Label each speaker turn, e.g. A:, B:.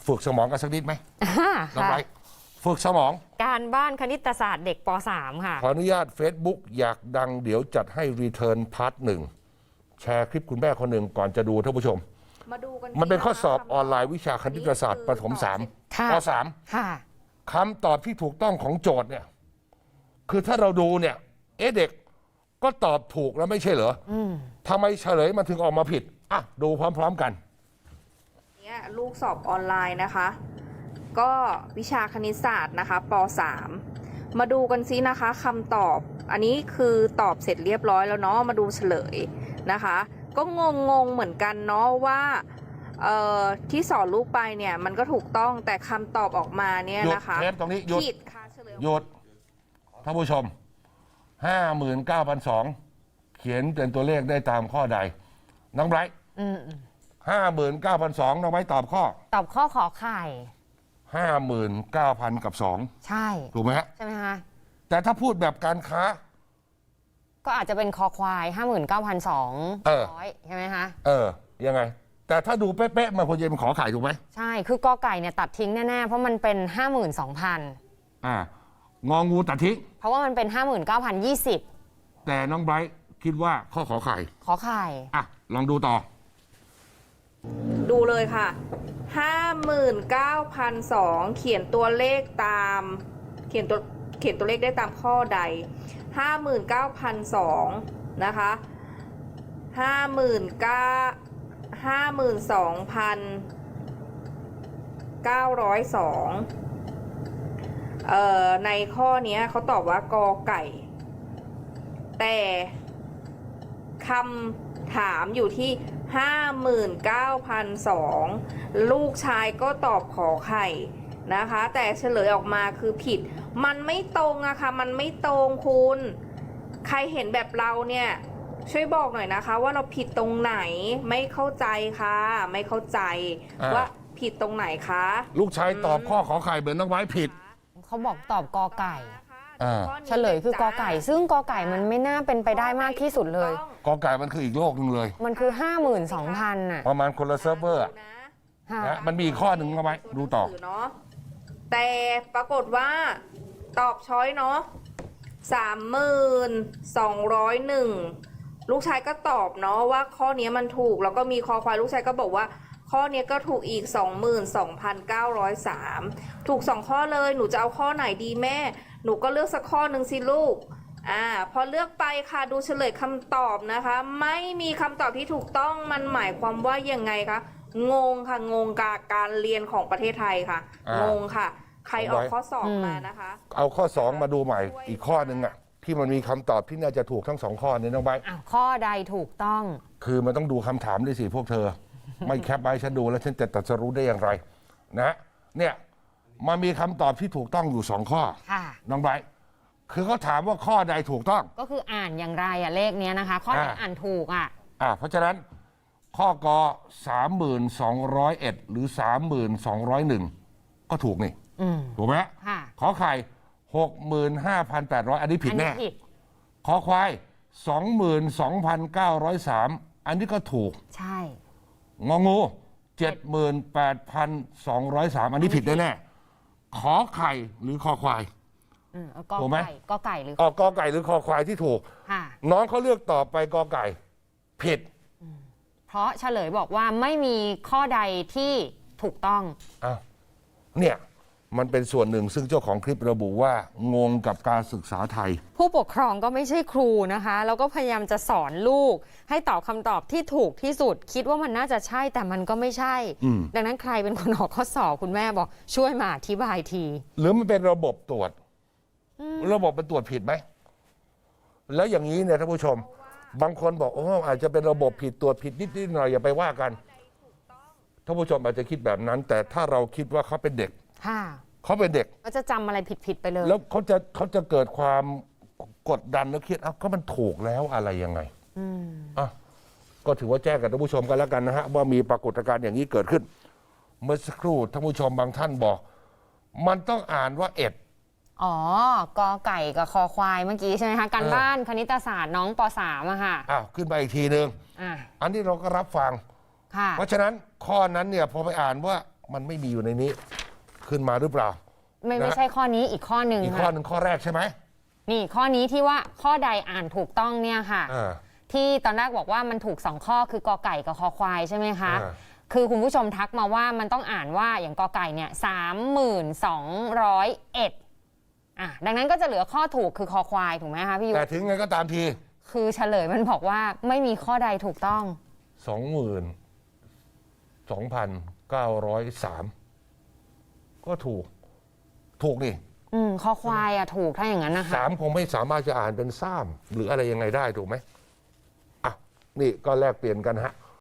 A: ฝึกสมองกันสักนิดไหมน้องไบรท์ฝึกสมอง
B: การบ้านคณิตศาสตร์เด็กป .3 ค่ะ
A: ขออนุญาต Facebook อยากดังเดี๋ยวจัดให้รีเทิร์นพาร์ทหนึ่งแชร์คลิปคุณแม่คนหนึ่งก่อนจะดูท่านผู้ชม
C: มาดูกัน
A: มันเป็นข้อสอบออนไลน์วิชาคณิตศาสตร์ประถม3ป .3 คำตอบที่ถูกต้องของโจทย์เนี่ยคือถ้าเราดูเนี่ยเด็กก็ตอบถูกแล้วไม่ใช่เหรอทำไมเฉลยมันถึงออกมาผิดอ่ะดูพร้อมๆกัน
C: เนี่ยลูกสอบออนไลน์นะคะก็วิชาคณิตศาสตร์นะคะป .3 มาดูกันซินะคะคำตอบอันนี้คือตอบเสร็จเรียบร้อยแล้วเนาะมาดูเฉลยนะคะก็งงเหมือนกันเนาะว่าที่สอนลูกไปเนี่ยมันก็ถูกต้องแต่คำตอบออกมาเนี่ยนะคะ
A: หยุดเทปตรงนี้หยุด
C: ผิดค่ะเฉลย
A: หยุดท่านผู้ชม 59,200 เขียนเป็นตัวเลขได้ตามข้อใดน้องไบรท์59,200น้องไบรท์ตอบข้อ
B: ขอไข่
A: 59,000 กับ 2
B: ใช่
A: ถูกไหมฮะ
B: ใช่ไหมคะ
A: แต่ถ้าพูดแบบการค้า
B: ก็อาจจะเป็นคอควาย 59,200 ใช่ไหมคะ
A: ยังไงแต่ถ้าดูเป๊ะๆมันควรจะเป็นขอไข่ถูกไหม
B: ใช่คือกอไก่เนี่ยตัดทิ้งแน่ๆเพราะมันเป็น 52,000
A: งองูตัดทิ้ง
B: เพราะว่ามันเป็น 59,020
A: แต่น้องไบรท์คิดว่าข้อขอไข่ลองดูต่อ
C: ดูเลยค่ะ 59,200 เขียนตัวเลขตามเขียนตัวเลขได้ตามข้อใด 59,200 นะคะ52,902ในข้อนี้เขาตอบว่ากอไก่แต่คำถามอยู่ที่ 59,200 ลูกชายก็ตอบขอไข่นะคะแต่เฉลยออกมาคือผิดมันไม่ตรงอะค่ะมันไม่ตรงคุณใครเห็นแบบเราเนี่ยช่วยบอกหน่อยนะคะว่าเราผิดตรงไหนไม่เข้าใจค่ะไม่เข้าใจว่าผิดตรงไหนคะ
A: ลูกชายตอบข้อขอไข่เหมือนน้องไว้ผิด
B: เขาบอกตอบกอไก่เฉลยคือกอไก่ซึ่งกอไก่มันไม่น่าเป็นไปได้มากที่สุดเลย
A: กอไก่มันคืออีกโลกนึงเลย
B: มันคือ 52,000น่ะ
A: ประมาณคนละเซิร์ฟเวอร์นะมันมีข้อหนึ่งเอาไว้ดูต่อ
C: แต่ปรากฏว่าตอบช้อยเนาะ32,201ลูกชายก็ตอบเนาะว่าข้อนี้มันถูกแล้วก็มีคอควายลูกชายก็บอกว่าข้อนี้ก็ถูกอีก 22,903 ถูก2ข้อเลยหนูจะเอาข้อไหนดีแม่หนูก็เลือกสักข้อหนึ่งสิลูกพอเลือกไปค่ะดูเฉลยคำตอบนะคะไม่มีคำตอบที่ถูกต้องมันหมายความว่ายังไงคะงงค่ะงงกับการเรียนของประเทศไทยค่ะงงค่ะใครออกข้อ2มานะคะ
A: เอาข้อ2มาดูใหม่อีกข้อหนึ่งที่มันมีคำตอบที่น่าจะถูกทั้ง2ข้อนี้น้องใบ
B: ข้อใดถูกต้อง
A: คือมันต้องดูคำถามด้วยสิพวกเธอไม่แคปไว้ฉันดูแล้วฉันจะตัดสรู้ได้อย่างไรนะเนี่ยมันมีคำตอบที่ถูกต้องอยู่2ข้อน้องไบรท์คือเขาถามว่าข้อใดถูกต้อง
B: ก็คืออ่านอย่างไรเลขนี้นะคะข้อไหนอ่านถูก
A: เพราะฉะนั้นข้อก32,201หรือ32,201ก็ถูกนี่ถูกไหมขอไข่65,800อันนี้ผิดแน่ขอควาย22,903อันนี้ก็ถูก
B: ใช่
A: งองู78,203อันนี้ผิดแน่ขอไข่หรือคอควาย
B: ถูกไหมกอไก่หรื
A: อกอไก่หรือคอควายที่ถูกน้องเขาเลือกตอบไปกอไก่ผิด
B: เพราะเฉลยบอกว่าไม่มีข้อใดที่ถูกต้อง
A: เนี่ยมันเป็นส่วนหนึ่งซึ่งเจ้าของคลิประบุว่างงกับการศึกษาไทย
B: ผู้ปกครองก็ไม่ใช่ครูนะคะแล้วก็พยายามจะสอนลูกให้ตอบคำตอบที่ถูกที่สุดคิดว่ามันน่าจะใช่แต่มันก็ไม่ใช่ดังนั้นใครเป็นคนออกข้อสอบคุณแม่บอกช่วยมาอธิบายที
A: หรือมันเป็นระบบตรวจระบบมันตรวจผิดไหมแล้วอย่างนี้เนี่ยท่านผู้ชมบางคนบอกอาจจะเป็นระบบผิดตรวจผิดนิดๆหน่อยอย่าไปว่ากันท่านผู้ชมอาจจะคิดแบบนั้นแต่ถ้าเราคิดว่าเขาเป็นเด็กเขาเป็นเด็ก
B: ก็จะจำอะไรผิดไปเลย
A: แล้วเขาจะเกิดความกดดันแล้วคิดก็มันถูกแล้วอะไรยังไงก็ถือว่าแจ้งกับท่านผู้ชมกันแล้วกันนะฮะว่ามีปรากฏการณ์อย่างนี้เกิดขึ้นเมื่อสักครู่ท่านผู้ชมบางท่านบอกมันต้องอ่านว่า
B: กอไก่กับคอควายเมื่อกี้ใช่ไหมคะการบ้านคณิตศาสตร์น้องป .3 ค่ะ
A: ขึ้นไปอีกทีนึงอันนี้เราก็รับฟังเพราะฉะนั้นข้อนั้นเนี่ยพอไปอ่านว่ามันไม่มีอยู่ในนี้ขึ้นมาหรือเปล่า
B: ไม่ใช่ข้อนี้อีกข้อหนึ่ง
A: อีกข้อหนึ่งข้อแรกใช่ไหม
B: นี่ข้อนี้ที่ว่าข้อใดอ่านถูกต้องเนี่ยค่ะ ที่ตอนแรกบอกว่ามันถูก2ข้อคือกอไก่กับคอควายใช่ไหมคะคือคุณผู้ชมทักมาว่ามันต้องอ่านว่าอย่างกอไก่เนี่ย32,101ดังนั้นก็จะเหลือข้อถูกคือคอควายถูกไหมคะพี่ยุทธ
A: แต่ถึงไงก็ตามที
B: คือเฉลยมันบอกว่าไม่มีข้อใดถูกต้อง
A: 22,903 ก็ถูกนี่
B: คอควายถูกถ้าอย่างนั้นนะคะ
A: 3คงไม่สามารถจะอ่านเป็นซ้ำหรืออะไรยังไงได้ถูกไหมอ่ะนี่ก็แลกเปลี่ยนกันฮะ